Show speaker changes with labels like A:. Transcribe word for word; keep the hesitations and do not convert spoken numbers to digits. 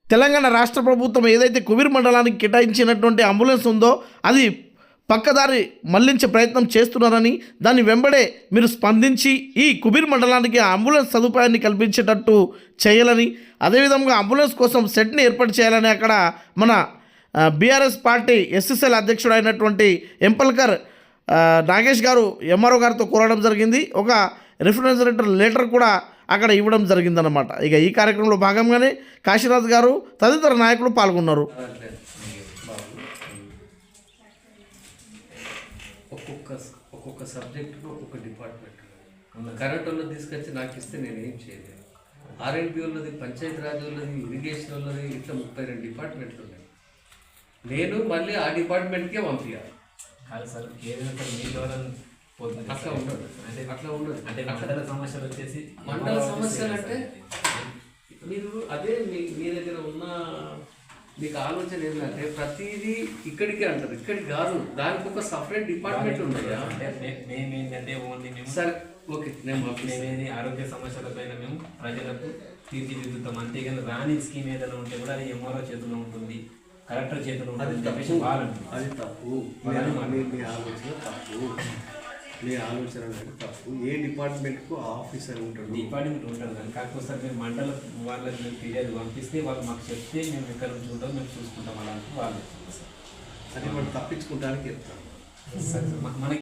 A: తెలంగాణ రాష్ట్ర ప్రభుత్వం ఏదైతే కుబీర్ మండలానికి కేటాయించినటువంటి అంబులెన్స్ ఉందో అది పక్కదారి మళ్లించే ప్రయత్నం చేస్తున్నారని, దాన్ని వెంబడే మీరు స్పందించి ఈ కుబీర్ మండలానికి అంబులెన్స్ సదుపాయాన్ని కల్పించేటట్టు చేయాలని, అదేవిధంగా అంబులెన్స్ కోసం సెట్ని ఏర్పాటు చేయాలని అక్కడ మన బీఆర్ఎస్ పార్టీ ఎస్ఎస్ఎల్ అధ్యక్షుడు అయినటువంటి ఎంపల్కర్ నాగేష్ గారు ఎంఆర్ఓ గారితో కోరడం జరిగింది. ఒక రిఫరెన్సరేటర్ లెటర్ కూడా అక్కడ ఇవ్వడం జరిగిందన్నమాట. ఇక ఈ కార్యక్రమంలో భాగంగానే కాశీనాథ్ గారు తదితర నాయకులు పాల్గొన్నారు.
B: ఒక్కొక్క ఒక్కొక్క సబ్జెక్టులో ఒక్కొక్క డిపార్ట్మెంట్ కరెంట్ వాళ్ళది తీసుకొచ్చి నాకు ఇస్తే నేను ఏం చేయలేదు. ఆర్ఎండ్బి వాళ్ళది, పంచాయతీ రాజ్ వాళ్ళది, ఇరిగేషన్ వాళ్ళది, ఇట్లా ముప్పై రెండు డిపార్ట్మెంట్లు ఉన్నాయి. నేను మళ్ళీ ఆ డిపార్ట్మెంట్కే పంపించాలి.
C: కాదు సార్, ఏదైనా సార్ మీ ద్వారా
B: అట్లా ఉండదు, అంటే అట్లా ఉండదు.
C: అంటే మండల సమస్యలు వచ్చేసి
B: మండల సమస్యలు అంటే మీరు అదే మీ మీ దగ్గర ఉన్న మీకు ఆలోచన ఏంటంటే ప్రతిదీ ఇక్కడికే అంటారు, ఇక్కడికి కాదు, దానికి ఒక సపరేట్ డిపార్ట్మెంట్ ఉన్నాయా?
C: మేము ఏంటంటే ఓన్లీ మేము
B: సరే ఓకే, నేను
C: మేమేది ఆరోగ్య సమస్యలపైన మేము ప్రజలకు తీర్చిదిద్దుతాం. అంతేగాని రాని స్కీమ్ ఏదైనా ఉంటే కూడా అది ఎంఆర్ఓ చేతిలో ఉంటుంది, కలెక్టర్ చేతిలో ఉంటుంది చెప్పేసి వాళ్ళు.
B: అది తప్పు, మీ ఆలోచన తప్పు, మీ ఆలోచన అనేది తప్పు. ఏ డిపార్ట్మెంట్కు ఆఫీసర్ ఉంటాడు,
C: డిపార్ట్మెంట్ ఉంటుంది కానీ కాకపోతే సార్ మేము మండల వాళ్ళకి మేము ఫిర్యాదు పంపిస్తే వాళ్ళు మాకు చెప్తే మేము ఎక్కడ నుంచి ఉంటాం మేము చూసుకుంటాం అలాంటి వాళ్ళు.
B: అది మనం తప్పించుకుంటానికి చెప్తాం
C: సార్ మనకి